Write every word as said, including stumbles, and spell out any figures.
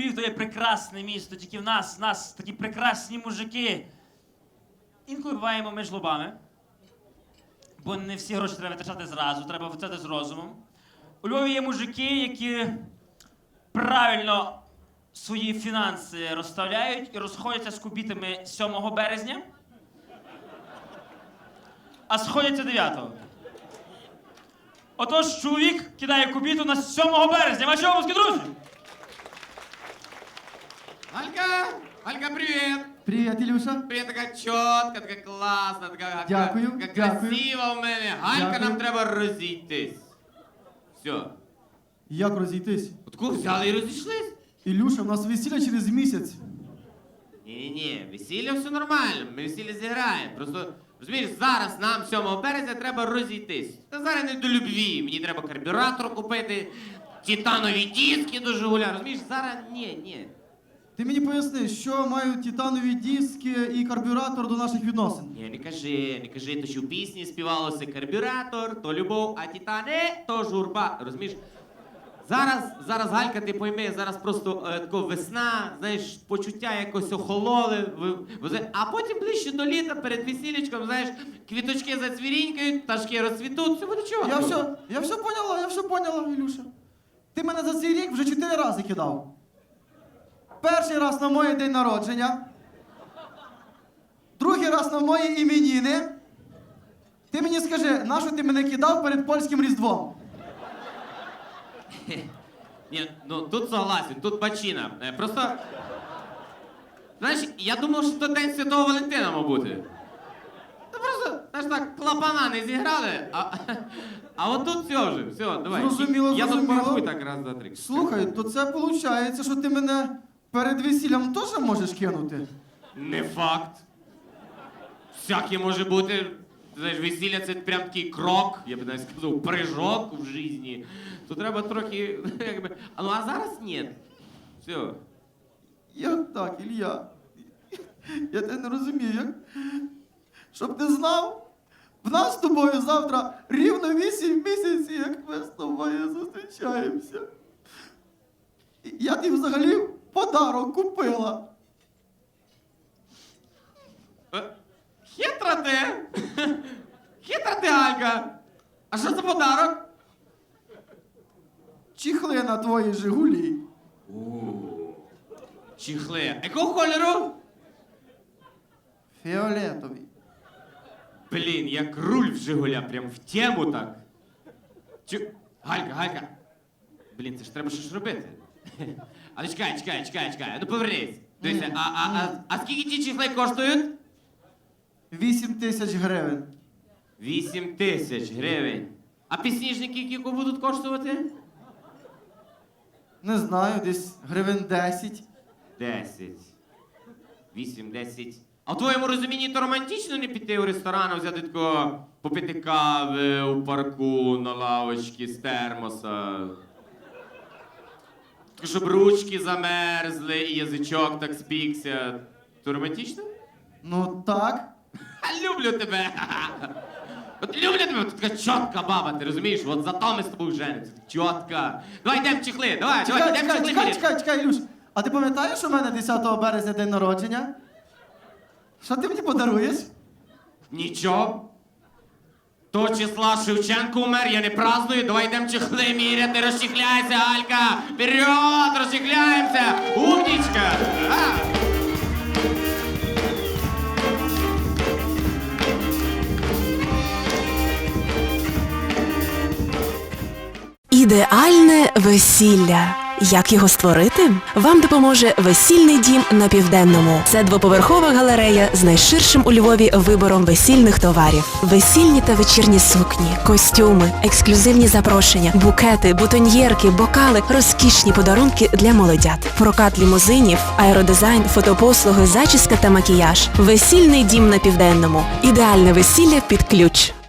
Львів то є прекрасне місто, тільки в нас, в нас такі прекрасні мужики. Інколи буваємо ми жлобами, бо не всі гроші треба витрачати зразу, треба витрачати з розумом. У Львові є мужики, які правильно свої фінанси розставляють і розходяться з кубітами сьомого березня, а сходяться дев'ятого. Отож, чоловік кидає кубіту на сьомого березня. Ваші обласки, друзі! Алька! Алька, привет! Привіт, Ілюша. Привет, така чітка, така класна, така, Дякую, така дякую. красива в мене. Алька, Дякую. нам треба розійтись. Все. Як розійтись? От кого взяли і розійшлись? Ілюша, у нас весілля через місяць. Ні-ні-ні, весілля все нормально, ми весілля зіграємо. Просто, розумієш, зараз нам сьомого березня треба розійтись. Та зараз не до любві, мені треба карбюратор купити, титанові диски до Жигуля, розумієш, зараз ні, ні. Ти мені поясни, що мають титанові диски і карбюратор до наших відносин? Ні, не кажи, не кажи, то що в пісні співалося карбюратор, то любов, а титани, то журба, розумієш? Зараз, зараз, Галька, ти пойми, зараз просто е, тако весна, знаєш, почуття якось охололи, ви- ви- а потім ближче до літа, перед весілечком, знаєш, квіточки зацвірінькають, пташки розцвітуть, все буде чого. Я все, я все поняла, я все поняла, Ілюша. Ти мене за цей рік вже чотири рази кидав. Перший раз на моє день народження. Другий раз на мої іменіни. Ти мені скажи, на що ти мене кидав перед польським Різдвом? Ні, ну тут согласен, тут бачина. Е, Просто, знаєш, я думав, що то День Святого Валентина, мав бути. Та просто, знаєш так, клапана не зіграли, а, а от тут все вже, все, давай. Зрозуміло, Я тут зрозуміло. порахую так раз, два, три. Слухай, то це виходить, що ти мене перед весіллям теж можеш кинути? Не факт. Всяке може бути. Ти знаєш, весілля це прям такий крок, я б навіть сказав, прыжок в житті. То треба трохи, якби. А ну а зараз ні. Все. Як так, Ілля? Я тебе не розумію, як? Щоб ти знав, в нас з тобою завтра рівно вісім місяців, як ми з тобою зустрічаємося. І я тобі взагалі подарок купила. Е, Хитра ти! Хитра ти, Галька! А що за подарок? Чіхли на твої Жигулі. Чіхли. Якого кольору? Фіолетові. Блін, як руль в Жигуля, прям в тему так. Чу... Галька, Галька. Блін, це ж треба щось робити. Але чекай, чекай, чекай, чекай. Ну повернись. Дивися, а, а, а, а скільки ті чіхли коштують? Вісім тисяч гривень. Вісім тисяч гривень. А підсніжники які будуть коштувати? Не знаю, десь гривень десять. Десять. Вісім, десять. А в твоєму розумінні то романтично не піти у ресторан, а взяти такого, попити кави у парку на лавочці з термоса. Так, щоб ручки замерзли і язичок так спікся. То романтично? Ну так. А люблю тебе! От люблю тебе, от така чітка баба, ти розумієш? От зато ми з тобою женимося. Чітка. Давай йдемо чехли, давай, Чекай, давай, йдемо чекай, чехли. чекай, міряти. чекай, чекай, Ілюш. А ти пам'ятаєш, що в мене десятого березня день народження? Що ти мені подаруєш? Нічого. То числа Шевченко умер, я не праздную, давай йдемо чехли міряти, розчехляйся, Алька! Вперед, розчехляємося! Умнічка! А! Ідеальне весілля. Як його створити? Вам допоможе весільний дім на Південному. Це двоповерхова галерея з найширшим у Львові вибором весільних товарів. Весільні та вечірні сукні, костюми, ексклюзивні запрошення, букети, бутоньєрки, бокали, розкішні подарунки для молодят. Прокат лімузинів, аеродизайн, фотопослуги, зачіска та макіяж. Весільний дім на Південному. Ідеальне весілля під ключ.